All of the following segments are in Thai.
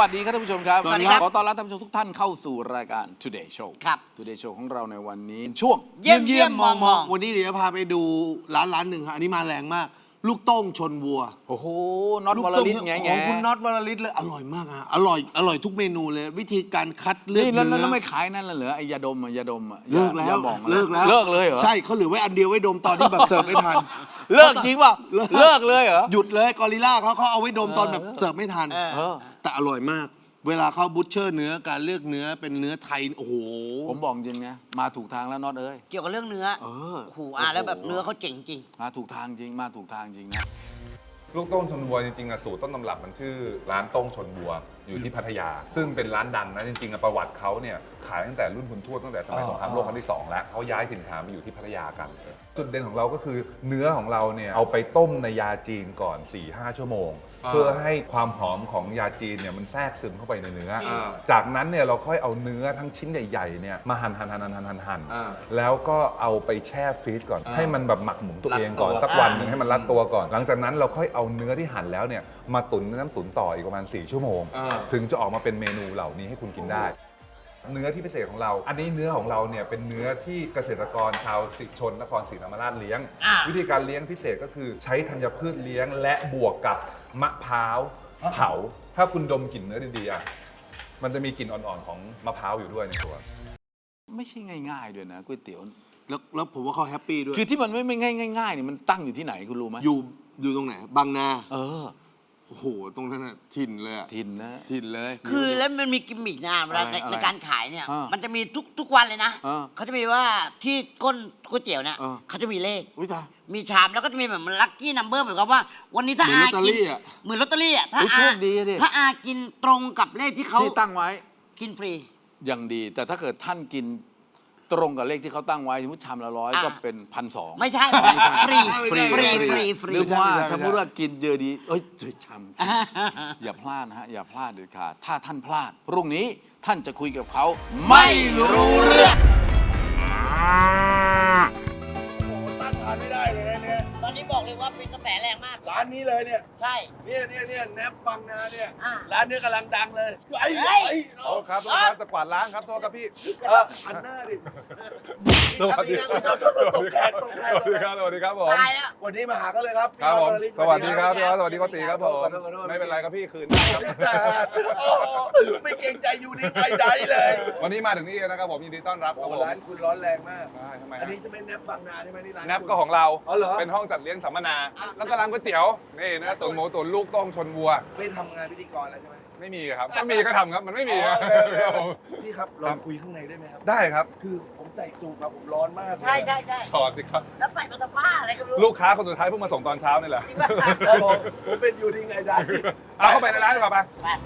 วัสดีครับท่านผู้ชมครับสวัสดีครับขอต้อนรับท่านผู้ชมทุกท่านเข้าสู่รายการ Today Show ครับ Today Show ของเราในวันนี้ช่วงเยี่ยมมองวันนี้เดี๋ยวจะพาไปดูร้านหนึ่งฮะอันนี้มาแรงมาก ลูกโต้งชนวัวโอ้โหน็อตลูกวรโต้งลิตไงของคุณน็อตวรลิตเลยอร่อยมากฮะอร่อยทุกเมนูเลย วิธีการคัดเลือกนี่เนื้อแล้วไม่ขายนั่นเหรอไอ้ยาดมอะยาดมอะเลิกแล้วยาหม่องอะเลิกแล้วเลิกเลยเหรอใช่เขาเหลือไว้อันเดียวไว้ดมตอนที่แบบเสิร์ฟไม่ทันเลิกจริงเปล่าเลิกเลยเหรอหยุดเลยกอริลล่าเขาเอาไว้ดมตอนแบบเสิร์ฟไม่ทันเออแต่อร่อยมาก เวลาเขาบูชเชอร์เนื้อการเลือกเนื้อเป็นเนื้อไทยโอ้โหผมบอกจริงนะมาถูกทางแล้วน็อตเอ้ยเกี่ยวกับเรื่องเนื้อเออโอ้โหแล้วแบบเนื้อเขาเจ๋งจริงมาถูกทางจริงมาถูกทางจริงนะลูกโต้งชนวัวจริงๆอะสูตรต้นตำรับมันชื่อร้านโต้งชนวัวอยู่ที่พัทยา ซึ่งเป็นร้านดังนะจริงๆอะประวัติเขาเนี่ยขายตั้งแต่รุ่นคุณทวดตั้งแต่สมัยสงครามโลกครั้งที่ 2 แล้วเขาย้ายถิ่นฐานมาอยู่ที่พัทยากันจุดเด่นของเราก็คือเนื้อของเราเนี่ยเอาไปต้มในยาจีนก่อน 4-5 ชั่วโมง เพื่อให้ความหอมของยาจีนเนี่ยมันแทรกซึมเข้าไปในเนื้อ จากนั้นเนี่ยเราค่อยเอาเนื้อทั้งชิ้นใหญ่ๆเนี่ยมาหั่นแล้วก็เอาไปแช่ฟรีซก่อน ให้มันแบบหมักหมุนตัวเองก่อนสักวันหนึ่งให้มันรัดตัวก่อน หลังจากนั้นเราค่อยเอาเนื้อที่หั่นแล้วเนี่ยมาตุ๋นในน้ำตุ๋นต่ออีกประมาณ4 ชั่วโมง ถึงจะออกมาเป็นเมนูเหล่านี้ให้คุณกินได้ เนื้อที่พิเศษของเรา อันนี้เนื้อของเราเนี่ยเป็นเนื้อที่เกษตรกรชาวสิชนนครศรีธรรมราชเลี้ยง วิธีการเลี้ยงพิเศษก็คือใช้ธัญพืชเลี้ยงและบวกกับมะพร้าวเผา ถ้าคุณดมกลิ่นเนื้อดีๆอ่ะมันจะมีกลิ่นอ่อนๆของมะพร้าวอยู่ด้วยในตัวไม่ใช่ง่ายๆด้วยนะก๋วยเตี๋ยวแล้วผมว่าเขาแฮปปี้ด้วยคือที่มันไม่ง่ายๆเนี่ยมันตั้งอยู่ที่ไหนคุณรู้ไหมอยู่ตรงไหนบางนาเออโอ้โหตรงนั้นน่ะถิ่นเลยอะทินนะถิ่นเลยคือแล้วมันมีกิมมิกนะเวลาอะไรในการขายเนี่ยอ่ามัมันจะมีทุกวันเลยนะอ่าเขาจะมีว่าที่ก้นก๋วยเตี๋ยวเนี่ยอ่าเขาจะมีเลขอุ้ยตายมีชามแล้วก็จะมีแบบมันลัคกี้นัมเบอร์เหมือนกับว่า วันนี้ถ้าเหมือนอาลอตเตอกินรี่อะเหมือนลอตเตอรี่อ่ะถ้าอุ๊ยโชอาคดีดิถ้าอากินตรงกับเลขที่เขาที่ตั้งไว้กินฟรีอย่างดี แต่ถ้าเกิดท่านกินตรงกับเลขที่เขาตั้งไว้สมมติชามละ100 อ่ะก็เป็น1,200 ไม่ใช่ฟรีฟรีฟรีฟรีฟรีหรือว่าไม่ใช่ถ้าพูดว่ากินเยอะดี เอ้ยเฉยชามอย่าพลาดนะฮะ อย่าพลาดเด็ดขาดถ้าท่านพลาด พรุ่งนี้ท่านจะคุยกับเขา ไม่รู้เรื่องโอ้โหต้านทานไม่ได้เลยนะเนี่ยตอนนี้บอกเลยว่าเป็นกระแสแรงมากร้านนี้เลยเนี่ยใช่เนี่ยแนบบังนาเนี่ยอ่าร้านนี้กำลังดังเลยไอ้เฮ้ยไอ้โทษครับโทษครับจะกวาดล้างครับโทษครับพี่อันหน้าดิสวัสดีครับตกแขกสวัสดีครับสวัสดีครับผมตายแล้ววันนี้มาหากันเลยครับครับผมพี่สวัสดีครับพี่ออสสวัสดีโกติครับผมขอโทษไม่เป็นไรครับพี่คืนได้ครับโอ้โหไม่เกรงใจอยู่นี่ใดๆเลยวันนี้มาถึงนี่นะครับผมยินดีต้อนรับคโอ้รับโหผมร้านคุณร้อนแรงมากได้ทำไมอันฮะนี้ใช่ไหมแนบบังนาใช่ไหมนี่ร้านแนบก็ของเราอ๋อเหรอเป็นห้องจัดเลี้ยงสัมมนา แล้วก็ร้านก๋วยเตี๋ยว นี่นะตุ๋นหมูตุ๋นลูกโต้งชนวัวไม่ทำงานพิธีกรแล้วใช่ไหมไม่มีครับถ้ามีก็ทำครับ มันไม่มีครับ ครับผมพี่ครับลองคุยข้างในได้ไหมครับได้ครับคือผมใส่สูทมาผมร้อนมากเลยใช่ใช่ใช่ถอดสิครับแล้วใส่มาทำผ้าอะไรก็ไม่รู้ลูกค้าคนสุดท้ายเพิ่งมาส่งตอนเช้านี่แหละจริงป่ะครับผมเป็นอยู่ที่ไงได้เอาเข้าไปในร้านดีกว่าไปไป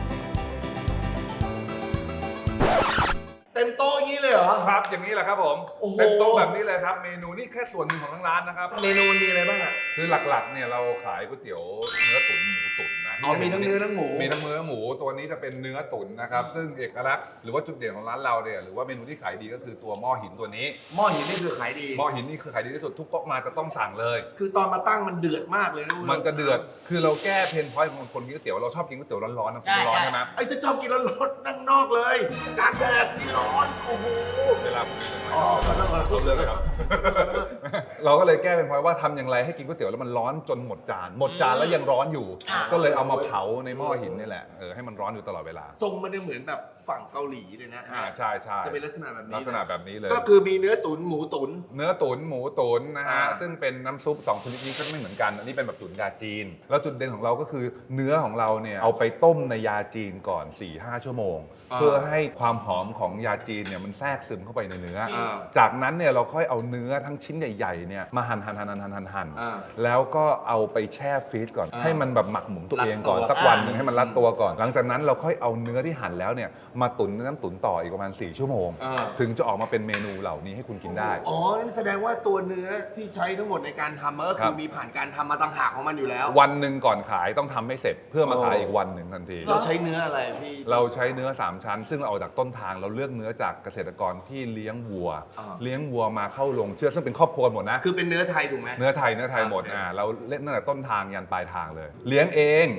เต็มโต๊ะอย่างนี้เลยเหรอครับ อย่างนี้แหละครับผมโอ้โหเป็นโต๊ะแบบนี้เลยครับ เมนูนี่แค่ส่วนหนึ่งของทางร้านนะครับเมนูมันมีอะไรบ้างอ่ะคือหลักๆ เนี่ยเราขายก๋วยเตี๋ยวเนื้อตุ๋นหมูตุ๋นนะอ๋อมีทั้งเนื้อทั้งหมูมีทั้งเนื้อหมูตัวนี้จะเป็นเนื้อตุ๋นนะครับ ซึ่งเอกลักษณ์หรือว่าจุดเด่นของร้านเราเนี่ยหรือว่าเมนูที่ขายดีก็คือตัวหม้อหินตัวนี้หม้อหินนี่คือขายดีหม้อหินนี่คือขายดีที่สุดทุกโต๊ะมาจะต้องสั่งเลยคือตอนมาตั้งมันเดือดมากเลยนะมันจะเดือด คือเราแก้เพนพอยต์ของคนกินก๋วยเตี๋ยวเราชอบกินก๋วยเตี๋ยวร้อนๆนะร้อนใช่ไหมไอ้จะชอบกินร้อนๆนั่งนอกเลยกลางแดดนี่ร้อนโอ้โหเวลาผมกินอ๋อขอโทษขอโทษเลือกเลยครับ เราก็เลยแก้เป็นพอยต์ว่าทำอย่างไรให้กินก๋วยเตี๋ยวแล้วมันร้อนจนหมดจาน หมดจานแล้วยังร้อนอยู่ ก็เลยเอามาเผาในหม้อหินนี่แหละให้มันร้อนอยู่ตลอดเวลาทรงมันจะเหมือนแบบฝั่งเกาหลีเลยนะใช่ใช่จะเป็นลักษณะแบบนี้ลักษณะแบบนี้เลยก็คือมีเนื้อตุ๋นหมูตุ๋นเนื้อตุ๋นหมูตุ๋นนะฮะอ่าซึ่งเป็นน้ำซุป2ชนิดนี้ก็ไม่เหมือนกัน อันนี้เป็นแบบตุ๋นยาจีน แล้วจุดเด่นของเราก็คือเนื้อของเราเนี่ยเอาไปต้มในยาจีนก่อน 4-5 ชั่วโมง เพื่อให้ความหอมของยาจีนเนี่ยมันแทรกซึมเข้าไปในเนื้ออจากนั้นเนี่ยเราค่อยเอาเนื้อทั้งชิ้นใหญ่ๆเนี่ยมาหั่นแล้วก็เอาไปแช่ฟรีซก่อน ให้มันแบบหมักหมุนตัวเองก่อนสักวันหนึ่งให้มันรัดตัวก่อน หลังจากนั้นเราค่อยเอาเนื้อที่หั่นแล้วเนี่ยมาตุ๋นในน้ำตุ๋นต่ออีกประมาณ4 ชั่วโมง ถึงจะออกมาเป็นเมนูเหล่านี้ให้คุณกินได้อ๋อนั่นแสดงว่าตัวเนื้อที่ใช้ทั้งหมดในการทำมันก็ครัคือบ มีผ่านการทำมาต่างหากของมันอยู่แล้ววันหนึ่งก่อนขายต้องทำให้เสร็จเพื่อมาขายอีกวันหนึ่งทันทีเราใช้เนื้ออะไรพี่เราใช้เนื้อ3ชั้น ซึ่งเราเอาจากต้นทางเราเลือกเนื้อจากเกษตรกรที่เลี้ยงวัว เลี้ยงวัวมาเข้าโรงเชือดซึ่งเป็นครอบครัวหมดนะคือเป็นเนื้อไทยถูกไหมเนื้อไทยหมดโอเคเราเล่นตั้งแต่ต้นทางยันปลายทางเลย เลี้ยงเอง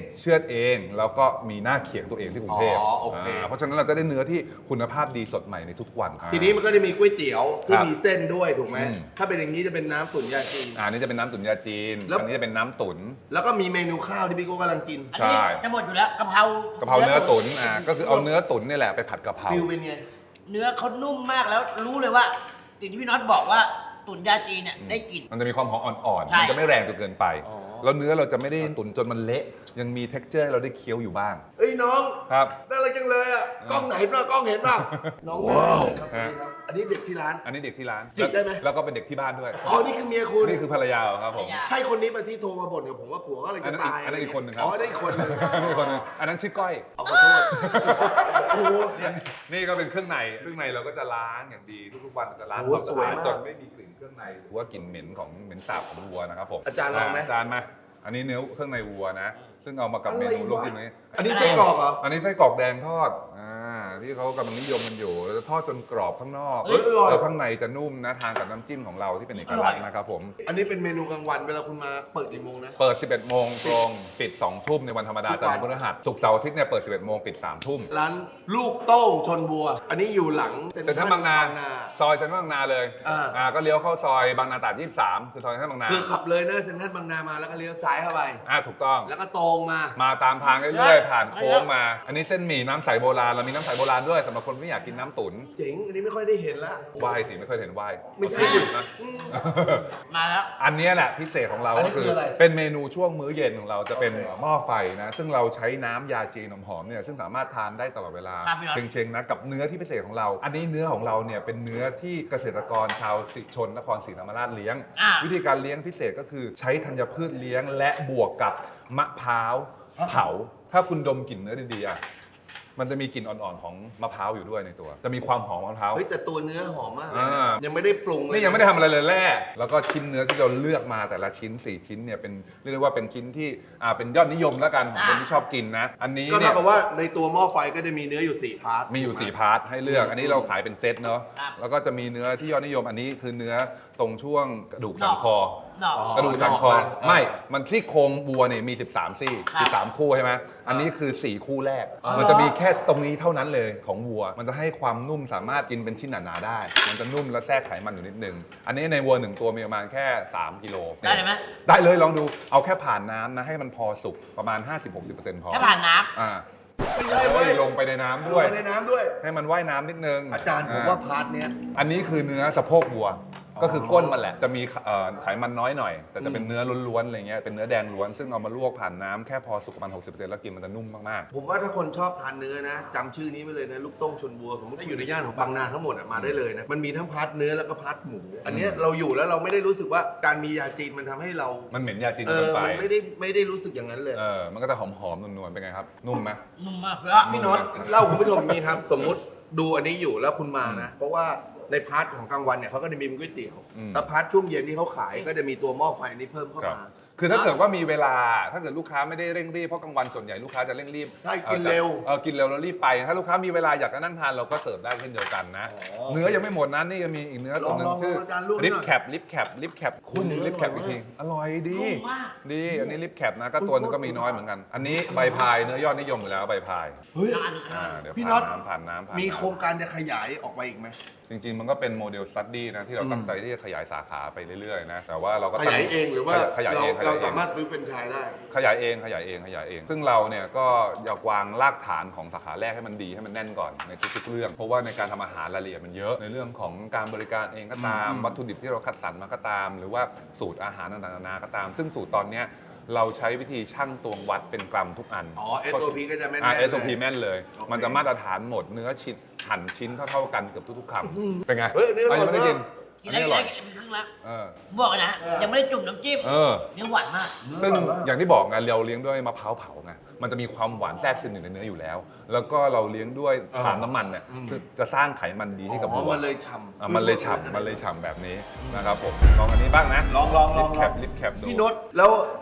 เชือดเองแล้วก็มีหน้าเขียงตัวเองที่กรุงเทพอ๋อโอเคเพราะฉะนั้นเราจะได้เนื้อที่คุณภาพดีสดใหม่ในทุกวันทีนี้มันก็จะมีก๋วยเตี๋ยวที่ครับมีเส้นด้วยถูกไหมอืมถ้าเป็นอย่างนี้จะเป็นน้ำตุ๋นยาจีนอันนี้จะเป็นน้ำตุ๋นยาจีนแล้วอันนี้จะเป็นน้ำตุ๋นแล้วก็มีเมนูข้าวที่พี่โก้กำลังกินอันใช่นี้จะหมดอยู่แล้วกะเพรากะเพราเนื้อตุ๋นก็คือเอาเนื้อตุ๋นนี่แหละไปผัดกะเพราฟิลเป็นไงเนื้อเขานุ่มมากแล้วรู้เลยว่าสิ่งที่พี่น็อตบอกว่าตุ๋นยาจีนเนี่ยได้กลิ่นมันจะมีความหอมอ่อนๆใช่มันจะไม่แรงจนเกินไปอ๋อแล้วเนื้อเราจะไม่ได้ตุ๋นจนมันเละ ยังมี texture ให้เราได้เคี้ยวอยู่บ้างเอ้ยน้องครับน่ารักจังเลยอ่ะกล้องไหนเปล่ากล้องเห็นเปล่าน้องว้าวครับฮะอันนี้เด็กที่ร้านอันนี้เด็กที่ร้านจิกได้ไหมแล้วก็เป็นเด็กที่บ้านด้วยอ๋อนี่คือเมียคุณนี่คือภรรยาครับผมภรรยาใช่คนนี้ปะที่โทรมาบ่นกับผมว่าผัวก็เลยอันจะนั้นอีกตายอันนั้นอีกคนหนึ่งครับอ๋อได้อีกคนหนึงอันนี้คนหนึงอันนั้นชื่อก้อยเอาขอโทษโอ้โหเนี่ยนี่ก็เป็นเครื่องในเราก็จะล้างอย่างดีทุกๆวันจะล้างโอ้ความสสะวยอาดมากจนไม่มีกลิ่นเครื่องในหรือว่ากลิ่นเหม็นของเหม็นสาบของวัวนะครับผมอาจารย์ลองไหมอาจารย์มาอันนี้เนื้อเครื่องในวัวนะ ซึ่งเอามากับเมนูอะไรวะลวกจิ้มนี้อันนี้ไส้กรอกเหรออันนี้ไส้กรอกแดงทอดที่เขากำลังนิยมกันอยู่เราจะทอดจนกรอบข้างนอกเฮ้ยอร่อยแล้วข้างในจะนุ่มนะทานกับน้ำจิ้มของเราที่เป็นเอกลักษณ์นะครับผมอันนี้เป็นเมนูกลางวันเวลาคุณมาเปิดกี่โมงนะเปิด 11 โมงตรงปิด 2 ทุ่มในวันธรรมดาทุกจันวันทร์พฤหัสศุกร์เสาร์อาทิตย์เนี่ยเปิด 11 โมงปิด 3 ทุ่มร้านลูกโต้งชนบัว อันนี้อยู่หลังเซ็นทรัลบางนา ซอยเซ็นทรัลบางนาเลย ก็เลี้ยวเข้าซอยบางนาตราด23 คือซอยเซ็นทรัลบางนาคือขับเลยหน้าเซ็นทรัลบางนามาแล้วก็เลี้ยวซ้ายเข้าไปถูกต้องแล้วก็ตรงมามาตามทางเรื่อยๆ ผ่านโค้งมา อันนี้เส้นหมี่น้ำใสโบราณ เรามีน้ำใสโบราณด้วยสำหรับคนที่อยากกินน้ำตุ๋นเจ๋ง อันนี้ไม่ค่อยได้เห็นละไหว้สิไม่เคยเห็นไหว้ไม่ใช่นะมาแล้วอันเนี้ยแหละพิเศษของเราอันนี้ก็คือคืออะไรเป็นเมนูช่วงมื้อเย็นของเราจะเป็นโอเคหม้อไฟนะซึ่งเราใช้น้ำยาจีนหอมๆเนี่ยซึ่งสามารถทานได้ตลอดเวลาครับพี่น็อตเชงๆนะกับเนื้อที่พิเศษของเรา อันนี้เนื้อของเราเนี่ยเป็นเนื้อที่เกษตรกรชาวสิชนนครศรีธรรมราชเลี้ยง วิธีการเลี้ยงพิเศษก็คือใช้ธัญพืชเลี้ยงและบวกกับมะพร้าวเผา ถ้าคุณดมกลิ่นเนื้อดีๆอ่ะมันจะมีกลิ่นอ่อนๆของมะพร้าวอยู่ด้วยในตัว จะมีความหอมของมะพร้าวเฮ้ยแต่ตัวเนื้อหอมมากเลยอ่านะยังไม่ได้ปรุงเลยนี่ยังไม่ได้ทำอะไรเลยแร่แล้วก็ชิ้นเนื้อที่เราเลือกมาแต่ละชิ้น 4 ชิ้นเนี่ยเป็นเรียกได้ว่าเป็นชิ้นที่เป็นยอดนิยมแล้วกันของคนที่ชอบกินนะ อันนี้ก็เนี่เท่าย กับว่าในตัวหม้อไฟก็จะมีเนื้ออยู่4พาร์ทมีอยู่ 4 พาร์ทให้เลือก อันนี้เราขายเป็นเซตเนาะครับแล้วก็จะมีเนื้อที่ยอดนิยมอันนี้คือเนื้อตรงช่วงกระดูกสันคอดอกกระดูกสันคอนอกมันไม่ มันซี่โครงวัวเนี่ยมี 13 ซี่ครับ 13 คู่ใช่ไหมอันนี้คือ 4 คู่แรก มันจะมีแค่ตรงนี้เท่านั้นเลยของวัว มันจะให้ความนุ่มสามารถกินเป็นชิ้นหนาๆได้ มันจะนุ่มและแทรกไขมันอยู่นิดนึง อันนี้ในวัว 1 ตัวมีประมาณแค่ 3 กิโลได้เลยไหมได้เลยลองดู เอาแค่ผ่านน้ำนะให้มันพอสุกประมาณ 50-60%พอแค่ผ่านน้อ่าไม่ใช่เว้ยลงไปในน้ำด้ด้ววย ยในน้ำด้วยให้มันว่ายน้ำนิดนึงอาจารย์ผมว่าพาร์ทเนี้ยอันนี้คือเนื้อสะโพกวัว ก็คือก้นมันแหละ จะมีไขมันน้อยหน่อย แต่จะเป็นเนื้อล้วนๆอะไรเงี้ย เป็นเนื้อแดงล้วน ซึ่งเอามาลวกผ่านน้ำแค่พอสุกประมาณ 60%แล้วกินมันจะนุ่มมากผมว่าถ้าคนชอบทานเนื้อนะจำชื่อนี้ไว้เลยนะลูกโต้งชนบัวผมถ้าอยู่ในย่านของบางนาทั้งหมดอะมาได้เลยนะมันมีทั้งพาร์ทเนื้อแล้วก็พาร์ทหมู อันเนี้ยเราอยู่แล้วเราไม่ได้รู้สึกว่าการมียาจีนมันทำให้เราๆ มันเหม็นยาจีนเอเกิอนไปมันไม่ได้รู้สึกอย่างนั้นเลยมันก็จะหอมๆ นวลๆ เป็นไงครับ นุ่มไหมำนุ่มมากเลยอะพี่น็อตเล่าคุณผู้ชมอย่างนี้ครับ สมมุติดูอันนี้อยู่แล้วคุณมานะ เพราะว่าในพาร์ทของกลางวันเนี่ยเขาก็จะมีเป็นก๋วยเตี๋ยวอืมแล้วพาร์ทช่วงเย็นที่เขาขายก็จะมีตัวหม้อไฟอันนี้เพิ่มเข้าครับมาคือถ้าเกิดว่ามีเวลา ถ้าเกิดลูกค้าไม่ได้เร่งรีบ เพราะกลางวันส่วนใหญ่ลูกค้าจะเร่งรีบใช่กินเร็วกินเร็วแล้วรีบไป ถ้าลูกค้ามีเวลาอยากจะนั่งทานเราก็เสิร์ฟได้เช่นเดียวกันนะ เนื้อยังไม่หมดนะนี่ยังมีอีกเนื้อตัวหนึงลองๆชื่ออาจารย์ลวกหน่อยลิปแคปคุณเนื้อลิปแคปอร่อีอยกมากทีอร่อยดีนุ่มมากดี อันนี้ลิปแคปนะก็ตัวหนึงก็มีน้อยเหมือนกัน อันนี้ใบพายเนื้อยอดนิยมอยู่แล้วใบพายเฮ้ยเดี๋ยวพี่น็อตผ่านน้ำมีโครงการจะขยายออกไปอีกไหมจริงๆ มันก็เป็นโมเดลสตัดดี้นะที่เราตั้งใจที่จะขยายสาขาไปเรื่อยๆนะแต่ว่าเราก็ขยายเองหรือว่าขยายเองเราสามารถซื้อเป็นไชายได้ขยายเอง ซึ่งเราเนี่ยก็อยากวางรากฐานของสาขาแรกให้มันดีให้มันแน่นก่อนในทุกๆเรื่อง เพราะว่าในการทำอาหารรายละเอียดมันเยอะในเรื่องของการบริการเองก็ตาม วัตถุดิบที่เราคัดสรรมาก็ตาม หรือว่าสูตรอาหารต่างๆนานาก็ตาม ซึ่งสูตรตอนเนี้ยเราใช้วิธีชั่งตวงวัดเป็นกรัมทุกอันอ๋อ SOP ก็จะแม่นๆ SOP แม่นเลยโอเคมันจะมาตรฐานหมดเนื้อชิ้นหั่นชิ้นเท่าๆกันเกือบทุกๆคำเป็นไงเฮ้ยอันนี้อร่อยยังไม่ได้กินกินอันได้นี้อกินร่อยได้กินเป็นครึ่งแล้วเออบอกเลยนะ ยังไม่ได้จุ่มน้ำจิ้มเออเนื้อหวานมากซึ่งอย่างที่บอกไงเราเลี้ยงด้วยมะพร้าวเผาไงมันจะมีความหวานแทรกซึมอยู่ในเนื้ออยู่แล้ว แล้วก็เราเลี้ยงด้วยถ่านน้ำมันเนี่ยคือจะสร้างไขมันดีให้กับอ๋อวัวมันเลยฉ่ำมันเลยฉ่ำแบบนี้นะครับผมลองอันนี้บ้างนะลองลิปแคปดูพี่นศแล้ว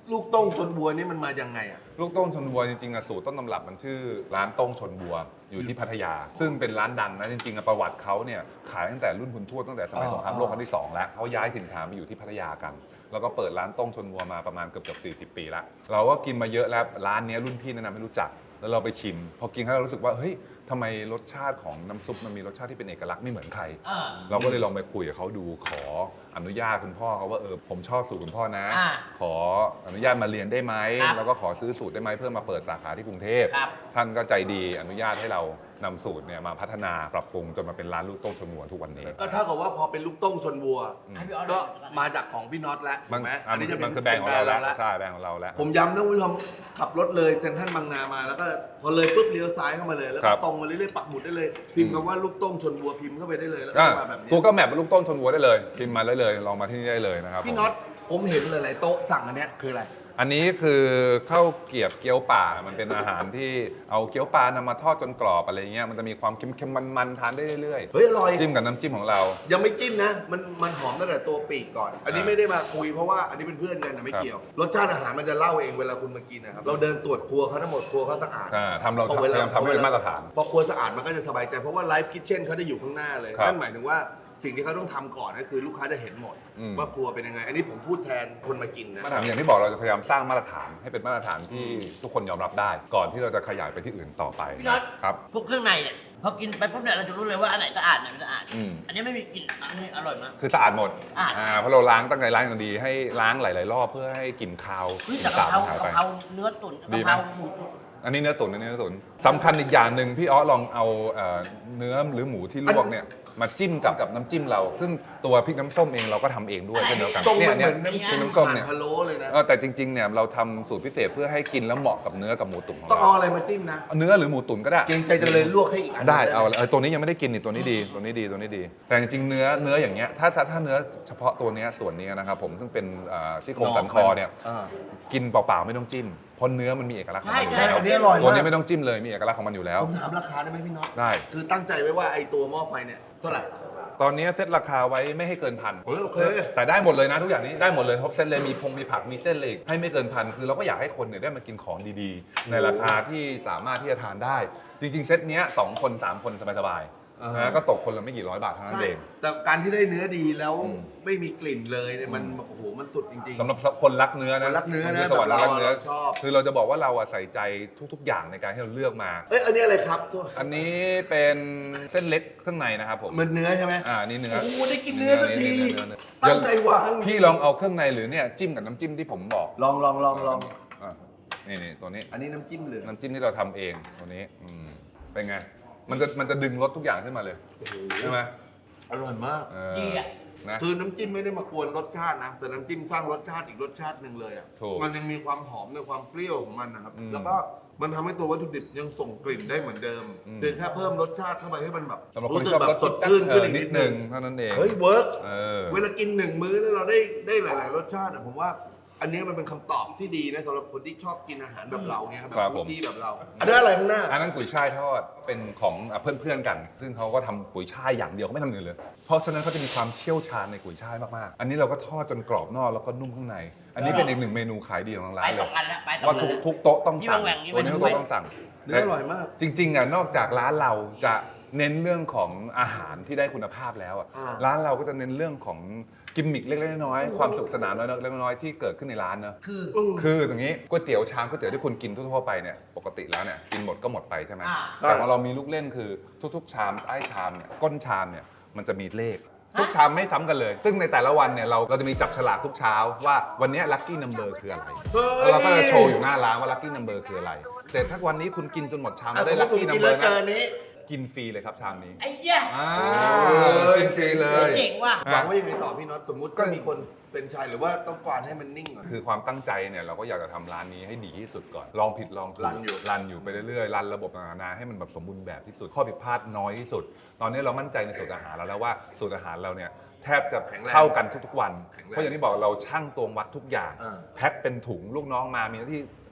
ลูกโต้งชนบัวนี่มันมายังไงอ่ะลูกโต้งชนบัวจริงๆสูตรต้นตำรับมันชื่อร้านโต้งชนบัวอยู่ที่พัทยา ซึ่งเป็นร้านดังนะจริงๆประวัติเขาเนี่ยขายตั้งแต่รุ่นคุณทวดตั้งแต่สมัยสงครามโลกครั้งที่2แล้วเขาย้ายถิ่นฐานมาอยู่ที่พัทยากัน แล้วก็เปิดร้านโต้งชนบัวมาประมาณเกือบ40 ปีแล้วเราก็กินมาเยอะแล้วร้านนี้รุ่นพี่แนะนำให้รู้จักแล้วเราไปชิมพอกินแล้วเรารู้สึกว่าเฮ้ยทำไมรสชาติของน้ำซุปมันมีรสชาติที่เป็นเอกลักษณ์ไม่เหมือนใคร เราก็เลยลองไปคุยกับเขาดูขออนุญาตคุณพ่อเขาว่าผมชอบสูตรคุณพ่อนะ ขออนุญาตมาเรียนได้ไหมแล้วก็ขอซื้อสูตรได้ไหมเพื่อมาเปิดสาขาที่กรุงเทพท่านก็ใจดีอนุญาตให้เรานำสูตรเนี่ยมาพัฒนาปรับปรุงจนมาเป็นร้านลูกโต้งชนบัวทุกวันนี้ก็เท่ากับว่าพอเป็นลูกโต้งชนบัวให้พี่ออสก็มาจากของพี่น็อตแล้วมันถูกไหมมันคือแบรนด์ของเราแล้วใช่แบรนด์ของเราแล้วผมย้ำนะคุณผู้ชมขับรถเลยเซ็นทรัลบางนามาแล้วก็พอเลยปุ๊บเลี้ยวซ้ายเข้ามาเลยแล้วครัก็บตรงมาเรื่อยๆปักหมุดได้เลยพิมพ์คำว่าลูกโต้งชนบัวพิมพ์เข้าไปได้เลยแล้วก็มาแบบนี้กูก็แมปลูกโต้งชนบัวได้เลยพิมพ์มาได้เลยลองมาที่นี่ได้เลยนะครับพี่น็อตผมเห็นหลายๆโต๊ะสั่งอันเนี้ยคืออะไรอันนี้คือข้าวเกรียบเกี๊ยวป่ามันเป็นอาหารที่เอาเกี๊ยวปลานำมาทอดจนกรอบอะไรเงี้ยมันจะมีความเค็มๆมันๆทานได้เรื่อยเฮ้ยอร่อยๆจิ้มกับน้ำจิ้มของเรายังไม่จิ้มนะมันหอมตั้งแต่ตัวปีกก่อน อันนี้ไม่ได้มาคุยเพราะว่าอันนี้เป็นเพื่อนกันนะไม่เกี่ยวรสชาติอาหารมันจะเล่าเองเวลาคุณมากินนะครับเราเดินตรวจครัวเขาทั้งหมดครัวเขาสะอาดทำเราพยายามทำให้เป็นมาตรฐานพอครัวสะอาดมันก็จะสบายใจเพราะว่าไลฟ์คิทเช่นเขาจะอยู่ข้างหน้าเลยครับนั่นหมายถึงว่าสิ่งที่เขาต้องทำก่อนก็คือลูกค้าจะเห็นหมดอืมว่าครัวเป็นยังไง อันนี้ผมพูดแทนคนมากินนะมาตรฐานอย่างที่บอกเราจะพยายามสร้างมาตรฐานให้เป็นมาตรฐานที่ทุกคนยอมรับได้ ก่อนที่เราจะขยายไปที่อื่นต่อไปพี่น็อตครับพวกเครื่องในเนี่ยพอกินไปปุ๊บเนี่ยเราจะรู้เลยว่าอันไหนสะอาดอันไหนไม่สะอาดอืมอันนี้ไม่มีกลิ่นอันนี้อร่อยมากคือสะอาดหมดสะอาดเพราะเราล้างตั้งใจล้างอย่างดีให้ล้างหลาย ๆ รอบเพื่อให้กลิ่นคาวเฮ้ยกแต่ลิ่นกะสาบเพรามันหายกะไปเพราเนื้อตุ๋นดีกะไหมเพราหมูตุ๋นอันนี้เนื้อตุ๋นอันนี้เนื้อตุ๋นสำคัญอีกอย่างหนึ่งพี่อ้อลองเอาเนื้อหรือหมูที่ลวกเนี่ยมาจิ้มกับน้ำจิ้มเรา ซึ่งตัวพริกน้ำส้มเองเราก็ทำเองด้วยเช่นเดียวกันส้มเนี่ยมันเนี่เหมืยอนน้ำพริจิ้กมน้ำส้มเนี่ยพะโล้เลยนะแต่จริง ๆ เนี่ยเราทำสูตรพิเศษเพื่อให้กินแล้วเหมาะกับเนื้อกับหมูตุ๋นของต้องเอาเราอะไรมาจิ้มนะเนื้อหรือหมูตุ๋นก็ได้เกรงใจจะเลยลวกให้อีกอันได้หมเอาตัวนี้ยังไม่ได้กินนี่ตัวนี้ดีตัวนี้ดีตัวนี้ดี แต่จริงๆเนื้ออย่างเงี้ยถ้าเนื้อเฉพาะตัวเนี้ยส่วนนี้นะครับผมซึ่งเป็นซี่โครงสันคอเนี่ยอ่ากินเปล่าๆไม่ต้องจิ้มเพราะเนื้อมันมีเอกลักษณ์ของมันอยู่ใช่แล้วอันนี้อร่อยตัวมานี้กไม่ต้องจิ้มเลยมีเอกลักษณ์ของมันอยู่แล้วผมถามราคาได้ไหมพี่น็อตได้คือตั้งใจไว้ว่าไอ้ตัวหม้อไฟเนี่ยเท่าไหร่ตอนนี้เซตราคาไว้ไม่ให้เกินพันโอเคแต่ได้หมดเลยนะทุกอย่างนี้ได้หมดเลยครบเซตเลยมีมีผักมีเส้นเลยให้ไม่เกินพันคือเราก็อยากให้คนเนี่ยได้มากินของดีๆ ในราคาที่สามารถที่จะทานได้ จริงๆเซตเนี้ย2 คน 3 คนสบายๆนะก็ตกคนละไม่กี่ร้อยบาทเท่านั้นใช่เองแต่การที่ได้เนื้อดีแล้วอืมไม่มีกลิ่นเลยเนี่ยมันโอ้โหมันสุดจริงๆสำหรับคนรักเนื้อนะคนรักเนื้อนะสวรรค์รักเนื้อเราชอบคือเราจะบอกว่าเราอะใส่ใจทุกๆ อย่างในการที่เราเลือกมาเอ้ยอันนี้อะไรครับตัวอันนี้เป็นเส้นเล็กเครื่องในนะครับผมมันเนื้อใช่ไหมนี่เนื้อโอ้โหได้กินเนื้อสักทีเนื้อตั้งใจวางพี่ลองเอาเครื่องในหรือเนี่ยจิ้มกับน้ำจิ้มที่ผมบอกลองอ่ะนี่ตัวนี้อันนี้น้ำจิ้มเหลืองน้ำจิ้มที่เราทำเองตัวนี้เป็นไง มันจะดึงรสทุกอย่างขึ้นมาเลยโอ้โหใช่ไหมอร่อยมากดีอ่ะนะคือน้ำจิ้มไม่ได้มากวนรสชาตินะ แต่น้ำจิ้มสร้างรสชาติอีกรสชาติหนึ่งเลยอ่ะถูกมันยังมีความหอมในความเปรี้ยวของมันนะครับอืมแล้วก็มันทำให้ตัววัตถุดิบยังส่งกลิ่นได้เหมือนเดิมอืมเพียงแค่เพิ่มรสชาติเข้าไปให้มันแบบสำหรับคนรู้ที่สึชกอบแบรบสสดชื่นขึ้นอีกนินิดดนึนึงงเท่านั้นเองเฮ้ยเวิร์กเออเวลากินหนึ่งมื้อแล้วเราได้หลาย ๆ รสชาติอะผมว่า อันนี้มันเป็นคำตอบที่ดีนะสำหรับคนที่ชอบกินอาหารแบบเราเนี่ยครับครับแบบผมที่แบบเรา อันนี้อะไรข้างหน้าอันนั้นกุยช่ายทอดเป็นของเพื่อนๆกัน ซึ่งเขาก็ทำกุยช่ายอย่างเดียวเขาไม่ทำอื่นเลย เพราะฉะนั้นเขาจะมีความเชี่ยวชาญในกุยช่ายมากๆ อันนี้เราก็ทอดจนกรอบนอกแล้วก็นุ่มข้างใน อันนี้เป็นอีกหนึ่งเมนูขายดีของทางไปร้านสเลอย งอันแล้วไปสองว่าอันแล้วทุกโต๊ะต้องสั่งที่แหว่งๆตัวนี้ที่ทุกแหว่งๆโต๊ะต้องสั่งเนื้ออร่อยมากจริงๆอ่ะนอกจากร้านเราจะเน้นเรื่องของอาหารที่ได้คุณภาพแล้วอ่ะอ่าร้านเราก็จะเน้นเรื่องของกิมมิคเล็กๆน้อยๆความสุขสนานเล็กๆน้อยๆที่เกิดขึ้นในร้านเนอะ คืออย่างนี้ก๋วยเตี๋ยวชามก๋วยเตี๋ยวที่คุณกินทั่วๆไปเนี่ยปกติแล้วเนี่ยกินหมดก็หมดไปใช่ไหมอ่าแต่ของเรามีลูกเล่นคือทุกๆชามใต้ชามเนี่ยก้นชามเนี่ยมันจะมีเลข ทุกชามไม่ซ้ำกันเลย ซึ่งในแต่ละวันเนี่ยเราจะมีจับฉลากทุกเช้าว่าวันนี้ลัคกี้นัมเบอร์คืออะไรแล้วเราก็จะโชว์อยู่หน้าร้านว่าลัคกี้นัมเบอร์คืออะไรแต่ถ้าวันนี้คุณกินจนหมดชามแล้วได้ลัคกี้นัมเบอร์เจอนะนี้กินฟรีเลยครับชามนี้ไอ้เหี้ยกินฟรีเลยเจ๋งว่ะหวังว่ายังไงต่อพี่น็อตสมมุติก็มีคนเป็นชายหรือว่าต้องกวานให้มันนิ่งก่อนคือความตั้งใจเนี่ยเราก็อยากจะทำร้านนี้ให้ดีที่สุดก่อน ลองผิดลองถูกรันอยู่ไปเรื่อยๆรันระบบต่างๆนานาให้มันแบบสมบูรณ์แบบที่สุด ข้อผิดพลาดน้อยที่สุด ตอนนี้เรามั่นใจในสูตรอาหารเราแล้วว่าสูตรอาหารเราเนี่ยแทบจะเข้ากันทุกๆวัน เพราะอย่างที่บอกเราชั่งตวงวัดทุกอย่าง แพ็คเป็นถุงลูกน้องมามีหน้าที่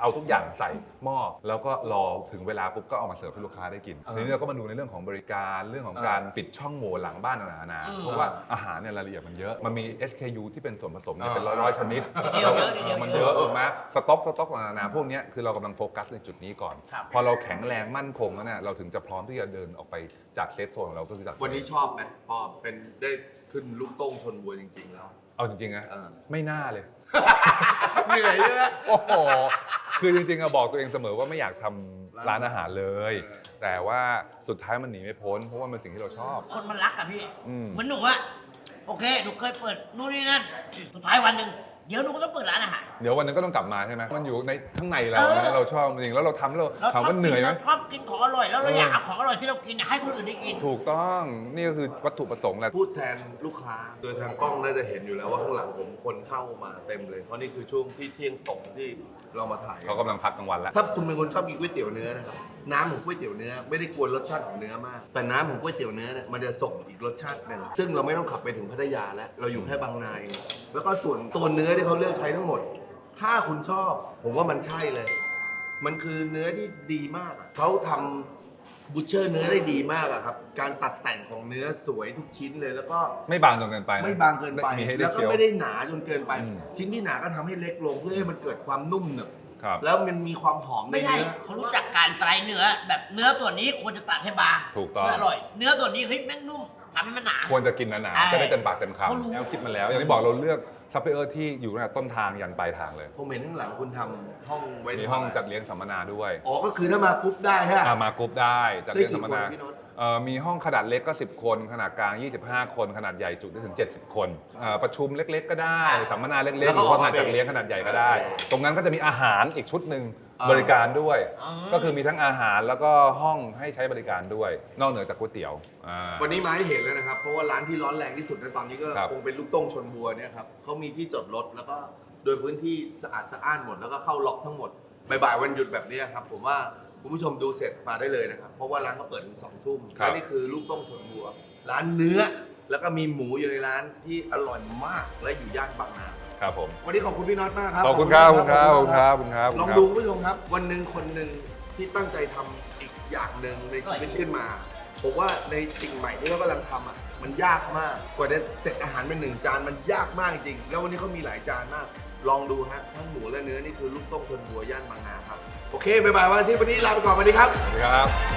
เอาทุกอย่างใส่หม้อแล้วก็รอถึงเวลาปุ๊บก็เอามาเสิร์ฟให้ลูกค้าได้กินทีนี้เราก็มาดูในเรื่องของบริการเรื่องของการปิดช่องโหว่หลังบ้านต่างๆนานาเพราะว่าอาหารเนี่ยรายละเอียดมันเยอะมันมี SKU ที่เป็นส่วนผสมเนี่ยเป็นร้อยๆชนิดมันเยอะถูกไหมสต็อกต่างๆนานาพวกเนี้ยคือเรากำลังโฟกัสในจุดนี้ก่อนพอเราแข็งแรงมั่นคงแล้วเนี่ยเราถึงจะพร้อมที่จะเดินออกไปจากเซฟโซนของเราก็คือจากวันนี้ชอบไหมพอเป็นได้ขึ้นลูกโต้งชนบัวจริงๆแล้วเอาจริงๆนะไม่น่าเลยเหนื่อยเยอะโอ้โหคือจริงๆอะบอกตัวเองเสมอว่าไม่อยากทำร้านอาหารเลย แต่ว่าสุดท้ายมันหนีไม่พ้นเพราะว่ามันสิ่งที่เราชอบคนมันรักอะพี่อืมเหมือนหนูอะโอเคหนูเคยเปิดนู่นนี่นั่นสุดท้ายวันหนึ่งเดี๋ยวหนูก็ต้องเปิดร้านอาหารเดี๋ยววันนึงก็ต้องกลับมาใช่ไหมมันอยู่ในข้างในเราเออนะเราชอบจริงแล้วเราทำแล้วเราถามว่าเหนื่อยไหมชอบกินของอร่อยแล้วเราอยากเอาของอร่อยที่เรากินเนี่ยให้คนอื่นได้กินถูกต้องนี่ก็คือวัตถุประสงค์แหละพูดแทนลูกค้า โดยทางกล้องน่าจะเห็นอยู่แล้วว่าข้างหลังผมคนเข้ามาเต็มเลย เพราะนี่คือช่วงที่เที่ยงตรงที่เรามาถ่ายเขากำลังพักกลางวันแล้วถ้าคุณเป็นคนชอบกินก๋วยเตี๋ยวเนื้อนะครับน้ำของก๋วยเตี๋ยวเนื้อไม่ได้กวนรสชาติของเนื้อมาก แต่น้ำของก๋วยเตี๋ยวเนื้อเนี่ยมันจะส่งอีกรสชาติหนึ่งซึ่งเราไม่ต้องขับไปถึงพัทยาแล้วเราอยู่แค่บางนาเองแล้วก็ส่วนตัวเนื้อที่เขาเลือกใช้ทั้งหมด ถ้าคุณชอบ ผมว่ามันใช่เลย มันคือเนื้อที่ดีมากอะเขาทำบูชเชอร์เนื้อได้ดีมากอะครับการตัดแต่งของเนื้อสวยทุกชิ้นเลยแล้วก็ไม่บางจนเกินไปนะไม่บางเกินไปมีให้ได้แล้วก็เคี้ยวไม่ได้หนาจนเกินไปอืมชิ้นที่หนาก็ทำให้เล็กลงเพื่อให้มันเกิดความนุ่มหนึบครับแล้วมันมีความหอมในไม่ใช่เนื้อเขารู้จักการไตรเนื้อแบบเนื้อตัวนี้ควรจะตัดให้บางถูกต้องเพื่ออร่อย เนื้อตัวนี้เฮ้ยแม่งนุ่มทำให้มันหนาควรจะกินหนาใช่ๆจะได้เต็มปากเต็มเขารู้คำแล้วคิดมาแล้ว อย่างที่บอกเราเลือกซัพพลายเออร์ที่อยู่ตั้งแต่ต้นทางยันปลายทางเลยผมเห็นข้างหลังคุณทำห้องไว้มีห้องจัดเลี้ยงสัมมนาด้วยอ๋อก็คือถ้ามากรุ๊ปได้ฮะมากรุ๊ปได้จัดเลี้ยงสัมมนาได้กี่คนพี่โน้ตมีห้องขนาดเล็กก็ 10 คน ขนาดกลาง 25 คน ขนาดใหญ่จุได้ถึง 70 คนประชุมเล็ก ๆ ก็ได้ สัมมนาเล็กๆหรือว่างานจัดเลี้ยงขนาดใหญ่ก็ได้ ตรงนั้นก็จะมีอาหารอีกชุดหนึ่งบริการด้วย ก็คือมีทั้งอาหารแล้วก็ห้องให้ใช้บริการด้วย นอกเหนือจากก๋วยเตี๋ยววันนี้มาให้เห็นแล้วนะครับ เพราะว่าร้านที่ร้อนแรงที่สุดในตอนนี้ก็ครับคงเป็นลูกโต้งชนบัวเนี่ยครับเขามีที่จอดรถแล้วก็โดยพื้นที่สะอาดสะอ้านหมดแล้วก็เข้าล็อกทั้งหมดบ่ายๆวันหยุดแบบนี้ครับผมว่าคุณผู้ชมดูเสร็จมาได้เลยนะครับ เพราะว่าร้านเขาเปิดถึง2 ทุ่มครับและนี่คือลูกโต้งชนบัว ร้านเนื้อ แล้วก็มีหมูอยู่ในร้านที่อร่อยมากและอยู่ย่านบางนาครับผมวันนี้ขอบคุณพี่น็อตมากครับขอบคุณครับขอบคุณครับขอบคุณครับขอบคุณครับลองดูคุณผู้ชมครับ วันหนึ่งคนหนึ่งที่ตั้งใจทำอีกอย่างหนึ่งในชีวิตขึ้นมาผมว่าในสิ่งใหม่ที่เขากำลังทำอ่ะมันยากมากกว่าจะเสร็จอาหารเป็น1 จานมันยากมากจริงแล้ววันนี้เขามีหลายจานมาก ลองดูฮะทั้งหมูและเนื้อนี่คือลูกต้มชนบัวย่านบางนาครับโอเคบ๊ายบายวันที่วันนี้ลาไปก่อนสวัสดีครับสวัสดีครับ